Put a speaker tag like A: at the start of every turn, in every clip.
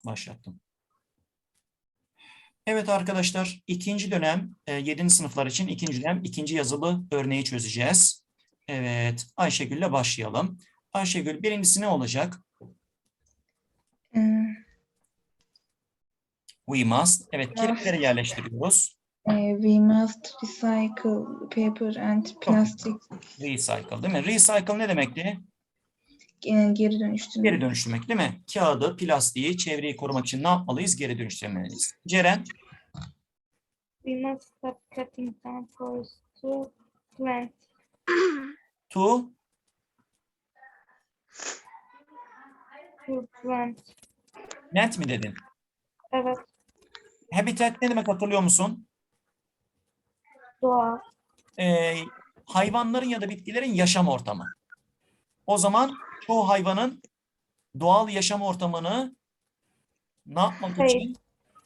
A: Başlattım. Evet arkadaşlar, ikinci dönem 7. sınıflar için ikinci dönem ikinci yazılı örneği çözeceğiz. Evet, Ayşegül'le başlayalım. Ayşegül, birincisi ne olacak? We must. Evet, kelimeleri yerleştiriyoruz.
B: We must recycle paper and
A: Çok
B: plastic.
A: Recycle değil mi? Recycle ne demekti?
B: Geri dönüştürmek.
A: Geri dönüştürmek değil mi? Kağıdı, plastiği, çevreyi korumak için ne yapmalıyız? Geri dönüştürmeliyiz. Ceren?
C: We must stop cutting down forests to plant.
A: To plant mi dedin?
C: Evet,
A: Habitat ne demek hatırlıyor musun?
C: doğa.
A: Hayvanların ya da bitkilerin yaşam ortamı. O zaman çoğu hayvanın doğal yaşam ortamını ne yapmak
C: Save.
A: için?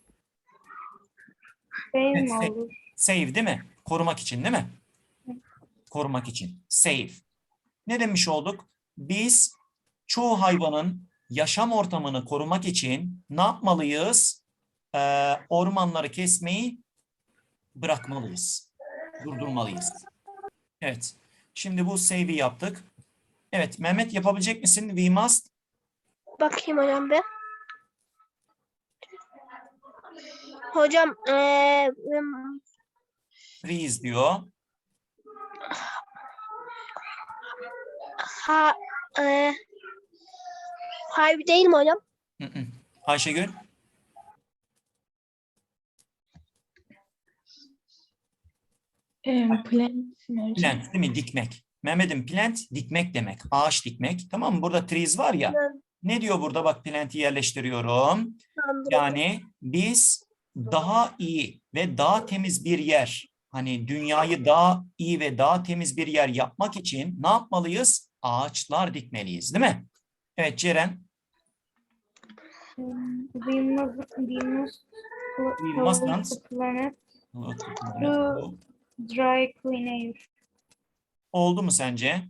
C: Save
A: Evet,
C: mi olur?
A: save değil mi? Korumak için değil mi? Korumak için. Save. Ne demiş olduk? Biz çoğu hayvanın yaşam ortamını korumak için ne yapmalıyız? Ormanları kesmeyi bırakmalıyız. Durdurmalıyız. Evet. Şimdi bu save'i yaptık. Evet. Mehmet yapabilecek misin? We must.
D: Bakayım hocam bir. Hocam
A: Freeze diyor.
D: harbi değil mi hocam?
A: Ayşegül. Plant değil mi? Dikmek. Mehmet'im plant dikmek demek. Ağaç dikmek. Tamam mı? Burada trees var ya. Ne diyor burada? Bak plant'i yerleştiriyorum. Yani biz daha iyi ve daha temiz bir yer, hani dünyayı daha iyi ve daha temiz bir yer yapmak için ne yapmalıyız? Ağaçlar dikmeliyiz, değil mi? Evet Ceren.
C: We must the planet to dry clean air.
A: Oldu mu sence?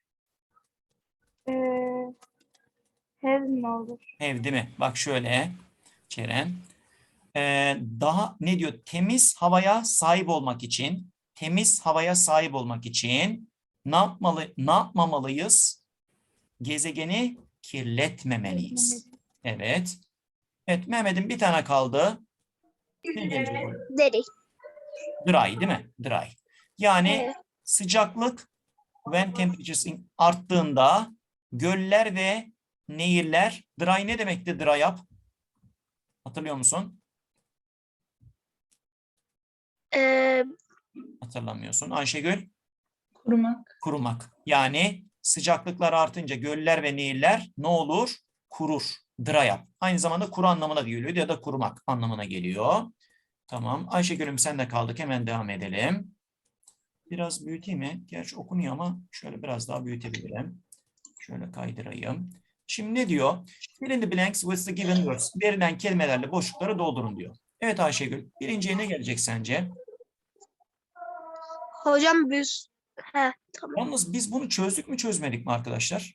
C: Have mi olur?
A: Ev değil mi? Bak şöyle Ceren. Daha ne diyor? Temiz havaya sahip olmak için, temiz havaya sahip olmak için ne yapmamalıyız? Gezegeni kirletmemeliyiz. Evet. Evet Mehmet'in bir tane kaldı. Ne gelecek oraya?
D: Deri.
A: Dry değil mi? Dry. Yani
D: Evet.
A: sıcaklık when temperatures arttığında göller ve nehirler, dry ne demekti dry up? Hatırlıyor musun? Hatırlamıyorsun. Ayşegül?
B: Kurumak.
A: Kurumak. Yani sıcaklıklar artınca göller ve nehirler ne olur? Kurur. Dry up. Aynı zamanda kuru anlamına geliyor ya da kurumak anlamına geliyor. Tamam. Ayşegül'üm sen de kaldık. Hemen devam edelim. Biraz büyüteyim mi? Gerçi okunuyor ama şöyle biraz daha büyütebilirim. Şöyle kaydırayım. Şimdi ne diyor? Fill in the blanks with the given words. Verilen kelimelerle boşlukları doldurun diyor. Evet Ayşegül. Birinciye ne gelecek sence?
D: Hocam biz tamam.
A: Yalnız biz bunu çözdük mü çözmedik mi arkadaşlar?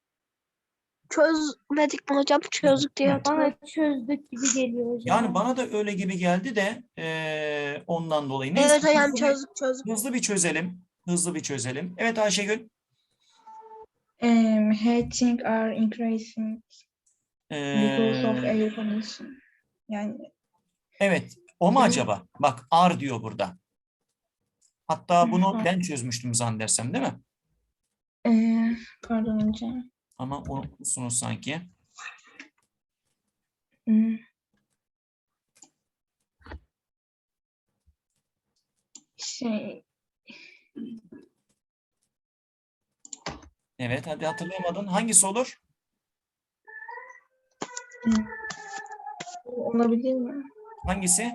D: Çözmedik mi hocam? Çözdük diye hatırlıyorum.
C: Bana çözdük gibi geliyor hocam.
A: Yani bana da öyle gibi geldi de ondan dolayı. Neyse,
D: Evet hocam çözdük.
A: hızlı bir çözelim. Hızlı bir çözelim. Evet Ayşegül.
B: Heating are increasing because of air pollution. Yani
A: Evet. O mu acaba? Bak ar diyor burada. Hatta bunu
B: Hı.
A: ben çözmüştüm zannedersem değil mi?
B: Pardon hocam.
A: Ama unutmuşsunuz sanki. Evet hadi hatırlayamadın. Hangisi olur?
B: Olabilir mi?
A: Hangisi?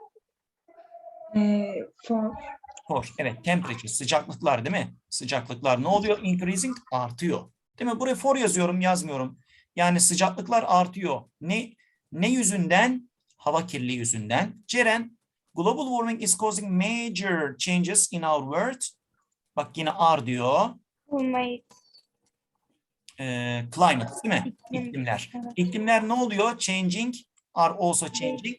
B: For.
A: Evet temperature sıcaklıklar değil mi? Sıcaklıklar ne oluyor? Increasing artıyor. Değil mi? Buraya for yazıyorum yazmıyorum. Yani sıcaklıklar artıyor. Ne yüzünden? Hava kirliliği yüzünden. Ceren, global warming is causing major changes in our world. Bak yine are diyor. Climate değil mi?
C: İklim.
A: İklimler.
C: Evet.
A: İklimler ne oluyor? Changing are also changing.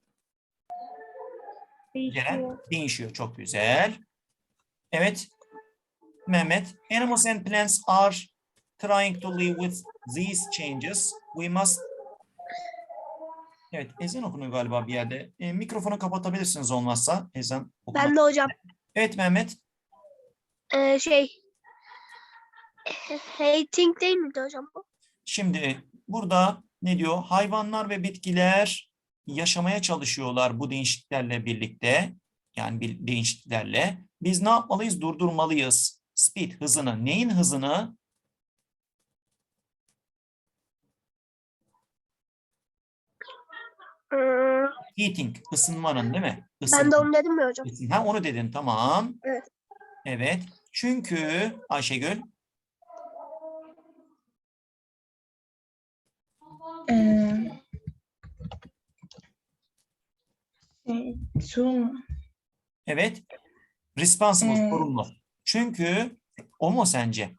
A: Ceren,
C: Değişiyor.
A: değişiyor. Çok güzel. Evet. Mehmet. Animals and plants are trying to live with these changes. We must. Evet, ezan okunuyor galiba bir yerde. Mikrofonu kapatabilirsiniz olmazsa ezan okumak.
D: Ben de hocam
A: Evet Mehmet.
D: şey hating değil miydi hocam bu?
A: Şimdi burada ne diyor? Hayvanlar ve bitkiler yaşamaya çalışıyorlar bu değişikliklerle birlikte. Yani bir değişikliklerle. Biz ne yapmalıyız? Durdurmalıyız. Speed hızını. Neyin hızını?
D: Hmm,
A: Heating, ısınmanın değil mi?
D: ben de onu dedim mi hocam?
A: Ha, onu dedin, tamam.
D: Evet.
A: Evet. Çünkü Ayşegül,
B: Ee, sorun
A: evet. Responsible,
B: Ee,
A: sorumlu. Çünkü o mu sence?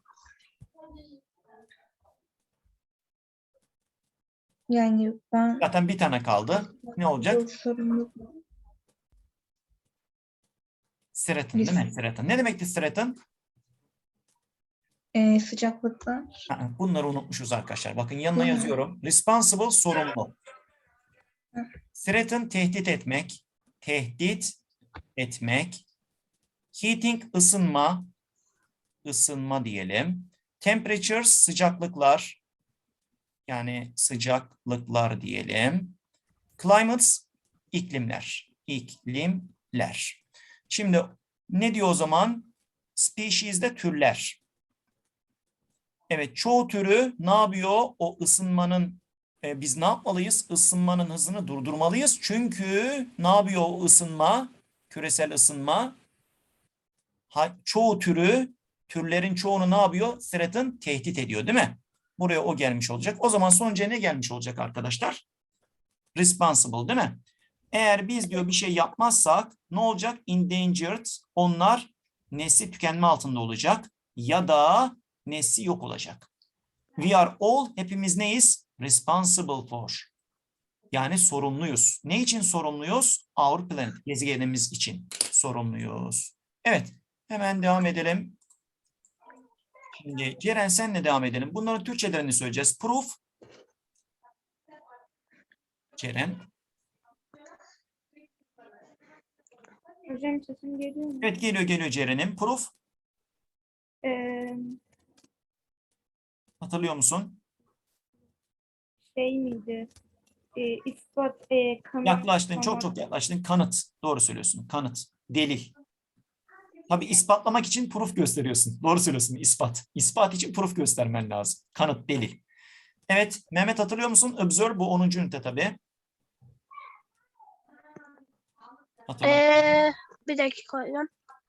B: yani ben
A: Zaten bir tane kaldı. Ne olacak?
B: sorumluluk
A: Threaten değil mi? Threaten. Ne demekti threaten?
B: sıcaklıklar.
A: Bunları unutmuşuz arkadaşlar. Bakın yanına
B: Hı.
A: yazıyorum. Responsible, sorumlu.
B: Hı.
A: Threaten, tehdit etmek. Tehdit etmek. Heating, ısınma. Isınma diyelim. Temperatures, sıcaklıklar. Yani sıcaklıklar diyelim. Climates, iklimler. İklimler. Şimdi ne diyor o zaman? Species de türler. Evet, çoğu türü ne yapıyor? O ısınmanın, biz ne yapmalıyız? Isınmanın hızını durdurmalıyız. Çünkü ne yapıyor o ısınma? Küresel ısınma. Çoğu türü, türlerin çoğunu ne yapıyor? Threaten, tehdit ediyor değil mi? Buraya o gelmiş olacak. O zaman sonuca ne gelmiş olacak arkadaşlar? Responsible değil mi? Eğer biz diyor bir şey yapmazsak ne olacak? Endangered, onlar nesli tükenme altında olacak ya da nesli yok olacak. We are all, hepimiz neyiz? Responsible for. Yani sorumluyuz. Ne için sorumluyuz? Our planet, gezegenimiz için sorumluyuz. Evet, hemen devam edelim. Şimdi Ceren senle devam edelim. Bunların Türkçelerini söyleyeceğiz. Proof. Ceren.
C: Hocam sesim geliyor mu?
A: Evet geliyor Ceren'in. Proof.
C: Ee,
A: Hatırlıyor musun?
C: Şey miydi? İspat, kanıt.
A: Yaklaştın,
C: Tamam.
A: çok yaklaştın. Kanıt. Doğru söylüyorsun. Kanıt. Delil. Tabii ispatlamak için proof gösteriyorsun. Doğru söylüyorsun. İspat. İspat için proof göstermen lazım. Kanıt, delil. Evet, Mehmet hatırlıyor musun? Observe bu 10. ünite tabii. Hatırladım.
D: Bir dakika hocam.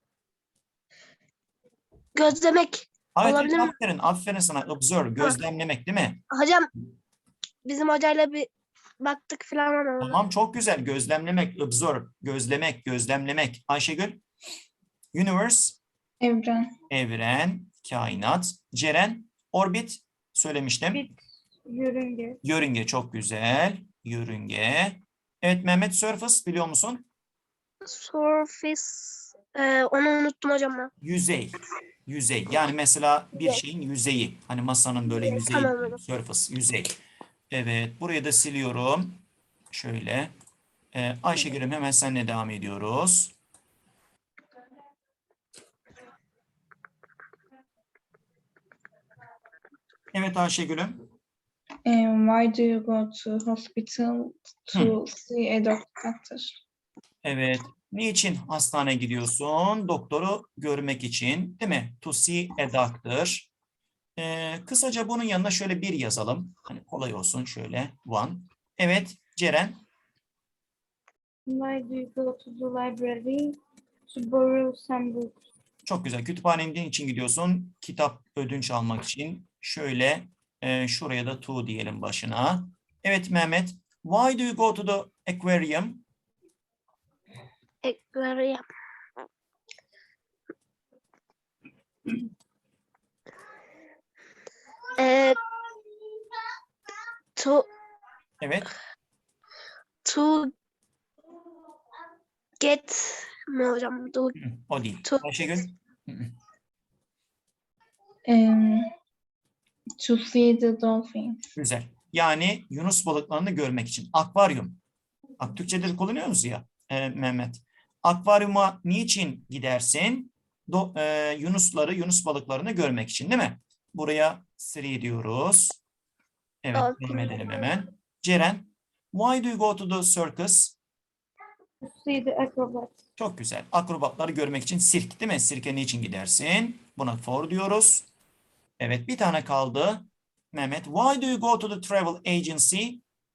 D: Gözlemek
A: Evet,
D: olabilir mi?
A: aferin sana. Observe, gözlemlemek değil mi?
D: Hocam bizim hocayla bir baktık falan ama.
A: Tamam, çok güzel. Gözlemlemek, observe, gözlemlemek. Ayşegül, universe,
B: Evren.
A: evren, kainat. Ceren, orbit söylemiştim.
C: Bit, yörünge.
A: Yörünge çok güzel. Yörünge. Evet Mehmet, surface biliyor musun?
D: Surface. Onu unuttum hocam ben.
A: Yüzey. Yüzey. Yani mesela bir şeyin yüzeyi. Hani masanın böyle yüzeyi.
D: Tamam hocam.
A: Surface, yüzey. Evet, burayı da siliyorum. Şöyle. Ayşegül'üm hemen seninle devam ediyoruz. Evet Ayşegül'üm.
B: Why do you go to hospital to see a doctor?
A: Evet. Niçin hastaneye gidiyorsun? Doktoru görmek için, değil mi? To see a doctor. Kısaca bunun yanına şöyle bir yazalım. Hani kolay olsun şöyle. One. Evet Ceren.
C: Why do you go to the library to borrow some books?
A: Çok güzel. Kütüphaneye için gidiyorsun. Kitap ödünç almak için. Şöyle şuraya da to diyelim başına. Evet Mehmet. Why do you go to the aquarium?
D: Aquarium. To
A: Evet.
D: To get mi hocam? To,
A: Hı, o değil.
D: to
A: Ayşegül. Hı hı.
B: To see the dolphins.
A: Güzel. Yani yunus balıklarını görmek için. Akvaryum. Bak Türkçe'de de kullanıyoruz ya Mehmet. Akvaryuma niçin gidersin? Yunus balıklarını görmek için değil mi? Buraya 3 diyoruz. Evet, devam edelim hemen. Ceren, why do you go to the circus?
C: To see the acrobats.
A: Çok güzel. Akrobatları görmek için sirk değil mi? Sirke niçin gidersin? Buna for diyoruz. Evet, bir tane kaldı. Mehmet, why do you go to the travel agency?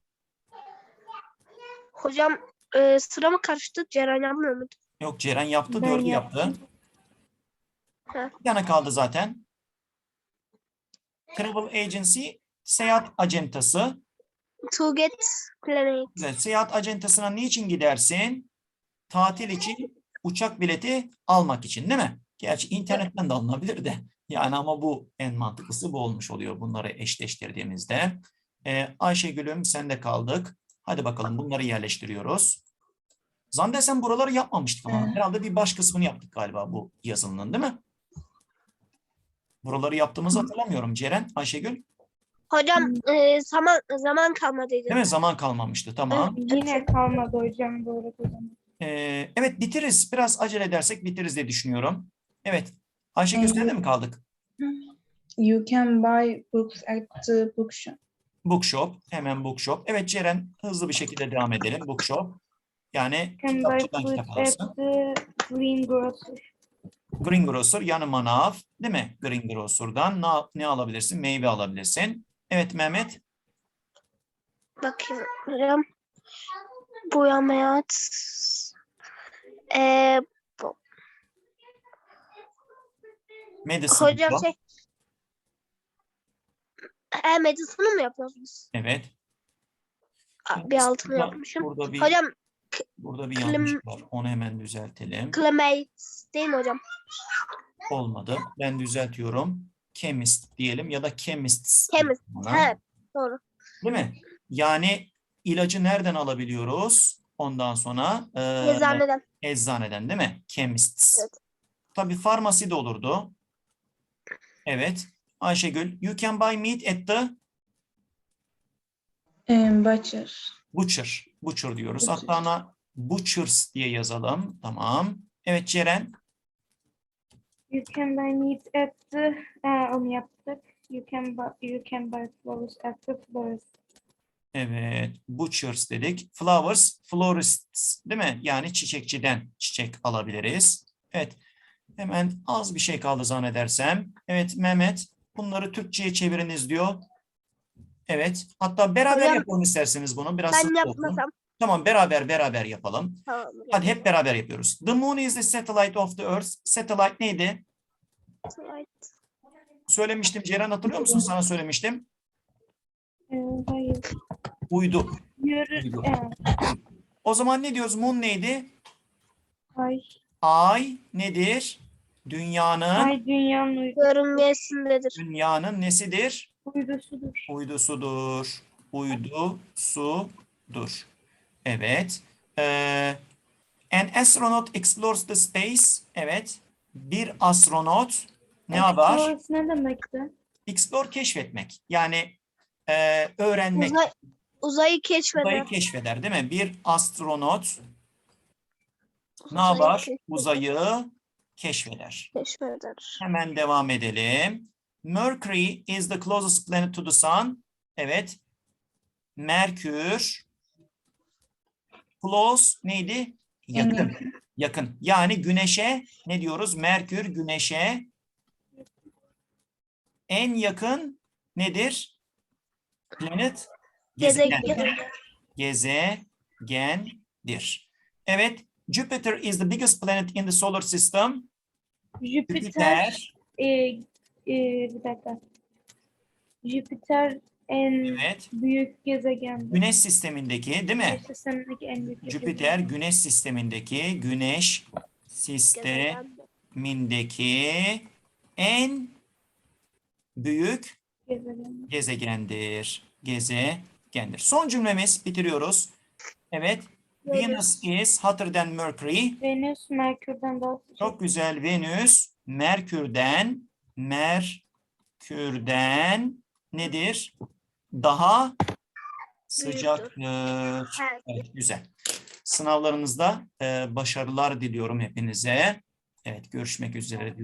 D: Hocam sıra mı karıştı? Ceren yapmıyor muydu?
A: Yok, Ceren yaptı,
C: Ben
A: 4'ü yaptı.
C: yaptım.
D: Ha.
A: Bir tane kaldı zaten. Travel agency, seyahat acentası.
D: To get planet.
A: Güzel. Seyahat acentasına niçin gidersin? Tatil için, uçak bileti almak için değil mi? Gerçi internetten de alınabilir de. Yani ama bu en mantıklısı bu olmuş oluyor bunları eşleştirdiğimizde. Ayşegül'üm sen de kaldık. Hadi bakalım bunları yerleştiriyoruz. Zande sen buraları yapmamıştık ama
B: Evet.
A: herhalde bir baş kısmını yaptık galiba bu yazılının değil mi? Buraları yaptığımızı hatırlamıyorum. Ceren, Ayşegül.
D: Hocam zaman kalmadıydı.
A: Değil mi? Zaman kalmamıştı. Tamam.
C: Yine kalmadı hocam bu arada.
A: Evet bitiririz. Biraz acele edersek bitiririz diye düşünüyorum. Evet. Ayşegül sen de mi kaldık?
B: You can buy books at the bookshop.
A: Bookshop. Hemen bookshop. Evet Ceren hızlı bir şekilde devam edelim. Bookshop. Yani
C: Can buy
A: kitapçıdan
C: food
A: kitap
C: at
A: alırsın.
C: the greengrocer.
A: Greengrocer yani manav. Değil mi? Greengrocer'dan ne alabilirsin? Meyve alabilirsin. Evet Mehmet.
D: Bakayım hocam. Boyamayat. E,
A: Medicine.
D: hocam
A: Shop.
D: medicine'ı mı yapıyorsunuz?
A: Evet.
D: Bir altını
A: Burada-
D: yapmışım.
A: Burada bir,
D: Hocam
A: burada bir yanlış var. Onu hemen düzeltelim.
D: climate değil mi hocam?
A: Olmadı. Ben düzeltiyorum. Chemist diyelim ya da chemists.
D: Chemist.
A: buna.
D: He, doğru.
A: Değil mi? Yani ilacı nereden alabiliyoruz? Ondan sonra
D: Eczaneden.
A: eczaneden değil mi? Chemists.
D: Evet.
A: Tabii farmasi de olurdu. Evet. Ayşegül, you can buy meat at the
B: Butcher.
A: butcher. Butcher diyoruz.
B: Butcher.
A: Hatta ona butchers diye yazalım. Tamam. Evet Ceren.
C: You can buy meat at the onu yaptık. You can buy flowers at the florist.
A: Evet. Butchers dedik. Flowers, florists değil mi? Yani çiçekçiden çiçek alabiliriz. Evet. Hemen az bir şey kaldı zannedersem. Evet Mehmet. Bunları Türkçe'ye çeviriniz diyor. Evet. Hatta beraber
D: Hocam,
A: yapalım isterseniz bunu. Biraz
D: Ben
A: hızlı olsun.
D: yapmasam.
A: Tamam beraber yapalım.
D: Tamam.
A: Hadi hep beraber yapıyoruz. The moon is the satellite of the earth. Satellite neydi? Söylemiştim Ceren hatırlıyor musun? Sana söylemiştim.
C: Hayır.
A: Uydu.
C: Yürü.
A: Uydu. O zaman ne diyoruz? Moon neydi?
C: Ay.
A: Ay nedir? Dünyanın
C: Ay dünyanın
D: Görünmeyesindedir.
A: nesidir?
C: uydusudur.
A: Uydusudur. Uydusudur. Evet. An astronaut explores the space. Evet. Bir astronot ne yapar?
C: Explorers ne demekti?
A: Explore keşfetmek. Yani öğrenmek.
D: Uzayı keşfeder.
A: Uzayı keşfeder değil mi? Bir astronot ne
D: Uzayı
A: yapar?
D: keşfeder.
A: Uzayı keşfeder.
D: Keşfeder.
A: Hemen devam edelim. Mercury is the closest planet to the sun. Evet. Merkür. Close neydi? Yakın. Yakın. Yani güneşe ne diyoruz? Merkür güneşe en yakın nedir? Planet gezegen. Gezegendir. Evet. Jupiter is the biggest planet in the solar system.
C: Jüpiter. Bir dakika. Jüpiter en
A: Evet.
C: büyük gezegen.
A: Güneş sistemindeki değil mi?
C: Güneş sistemindeki en büyük
A: Jüpiter güneş sistemindeki en büyük
C: gezegen.
A: gezegendir. Son cümlemiz bitiriyoruz. Evet.
D: Venüs.
A: Venus is hotter than Mercury.
C: Venüs Merkür'den daha sıcak.
A: Çok güzel. Venüs Merkür'den nedir? Daha sıcaktır.
D: Evet.
A: Evet, güzel. Sınavlarınızda başarılar diliyorum hepinize. Evet, görüşmek üzere.